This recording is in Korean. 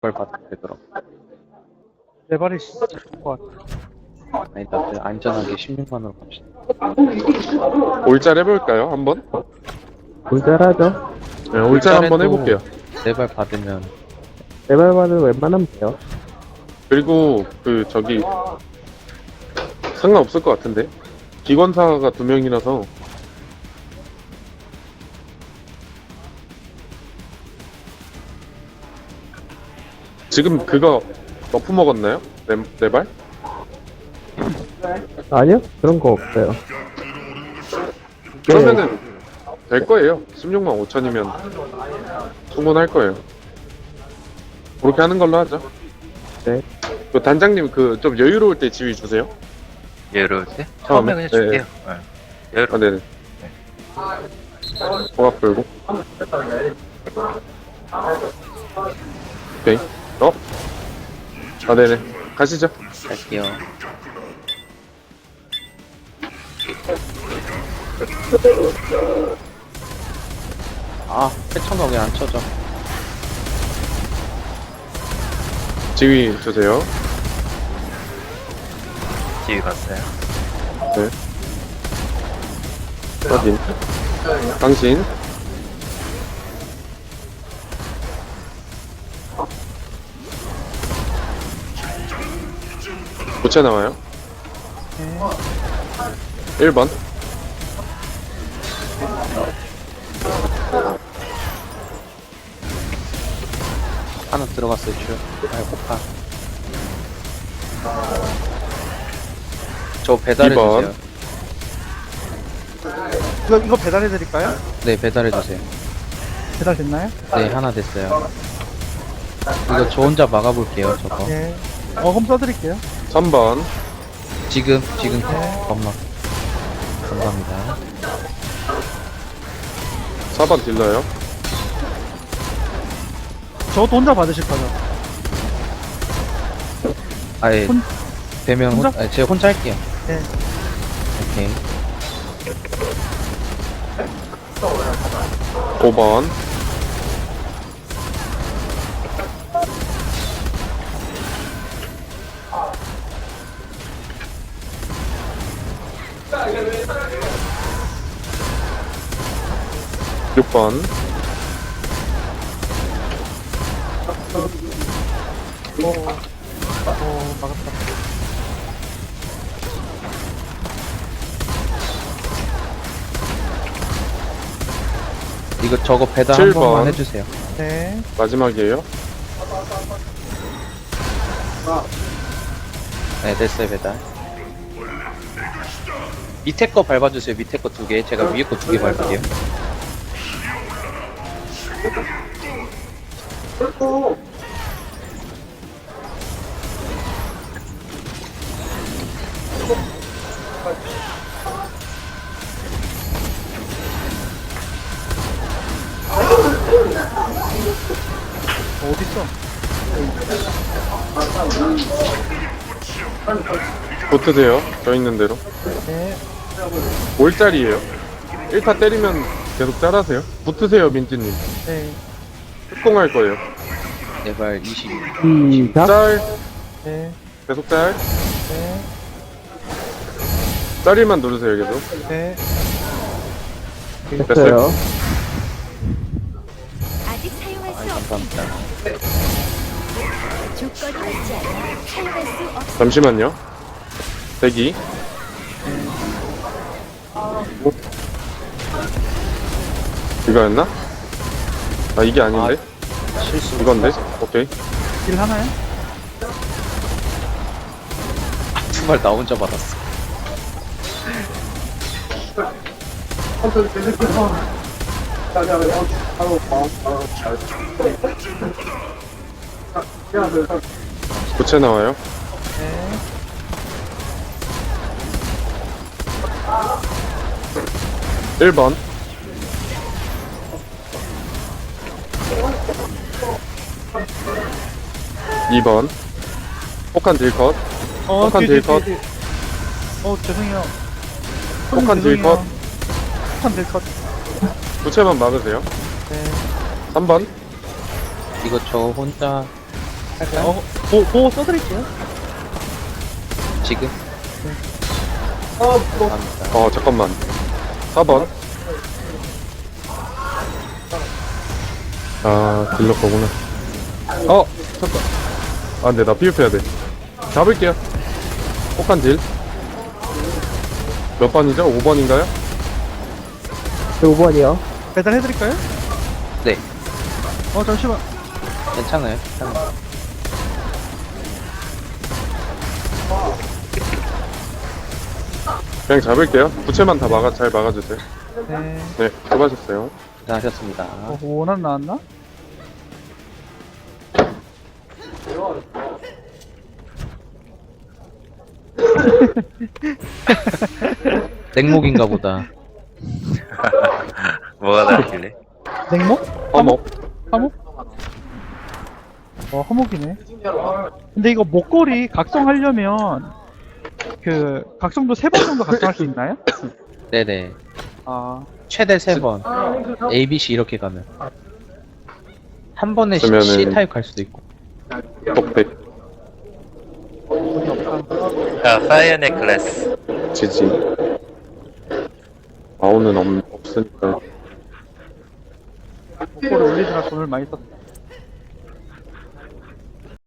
그걸 받으면 되더라고. 내 발이 좋을 것 같아. 아니, 나도 안전하게 16만으로 갑시다. 올짤 해볼까요? 한번? 골잘하죠. 네, 올짤 한번 해볼게요. 내발 받으면 레벨만은 웬만하면 돼요. 그리고 저기 상관없을 것 같은데 기관사가 2명이라서 지금 그거 너프 먹었나요? 네 발? 아니요? 그런 거 없어요. 그러면은 될 거예요. 16만 5천이면 충분할 거예요. 그렇게 하는 걸로 하죠. 네. 그 단장님 좀 여유로울 때 지휘 주세요. 여유로울 때? 처음에? 처음에 그냥 줄게요. 여유로울 아, 네네. 호각 불고. 오케이. 아, 네네. 가시죠. 갈게요. 아, 패턴가 왜 안 쳐져? 지휘 주세요. 지휘 갔어요. 네. 확인. 당신. 고체 나와요. 1번. 하나 들어갔어요, 줄. 아, 폭파. 저 배달해주세요. 2번. 이거 배달해드릴까요? 네, 배달해주세요. 배달 됐나요? 네, 하나 됐어요. 이거 저 혼자 막아볼게요, 저거. 네. 홈 써드릴게요. 3번. 지금, 엄마. 감사합니다. 4번 딜러요. 저것도 혼자 받으실 거죠? 아예, 되면, 혼자? 아니, 제가 혼자 할게요. 네. 오케이. 5번. 육 번. 막았다. 이거 저거 배달 한 7번. 번만 해주세요. 네. 마지막이에요. 네, 됐어요, 배달. 밑에 거 밟아주세요, 밑에 거 2개. 제가 위에 거 2개 밟을게요. 어딨어? 붙으세요. 저 있는 대로. 네. 올짤이에요. 1타 때리면 계속 짤하세요. 붙으세요, 민지님. 네. 특공할 거예요. 네발 20. 시작. 짤. 네. 계속 짤. 네. 짤일만 누르세요, 계속. 네. 됐어요. 아직 사용할 수 아이, 없습니다. 감사합니다. 조건이 맞지 않아 사용할 수 없습니다. 잠시만요. 대기. 이거였나? 아, 이게 아닌데? 실수. 이건데? 오케이. 딜 하나요? 2발 나 혼자 받았어. 고체 나와요. 네. 1번. 2번. 폭한 딜컷. 폭한 딜컷. 죄송해요. 폭한 딜컷. 폭한 딜컷. 부채만 막으세요. 네. 3번. 이거 저 혼자 할까요? 보호 써드릴게요. 지금? 감사합니다. 잠깐만. 4번. 아, 딜러 거구나. 잠깐. 아, 근데 나 피흡해야 돼. 잡을게요. 혹한 딜. 몇 번이죠? 5번인가요? 5번이요. 배달해드릴까요? 네, 잠시만. 괜찮아요. 괜찮아요. 그냥 잡을게요. 부채만 다 잘 막아주세요. 네. 네, 수고하셨어요. 고생하셨습니다. 원한 나왔나? 냉목인가 보다. 뭐가 나길래? 냉목? 어머. 화목? 화목이네. 근데 이거 목걸이 각성하려면 각성도 3번 정도 각성할 수 있나요? 네네. 아, 최대 3번. A, B, C 이렇게 가면. 한 번에 그러면은- C 타입 갈 수도 있고. 똑백. 아, 파이어 넥클래스. 지지. 마오는 없으니까. 목걸이 올리느라 돈을 많이 썼다.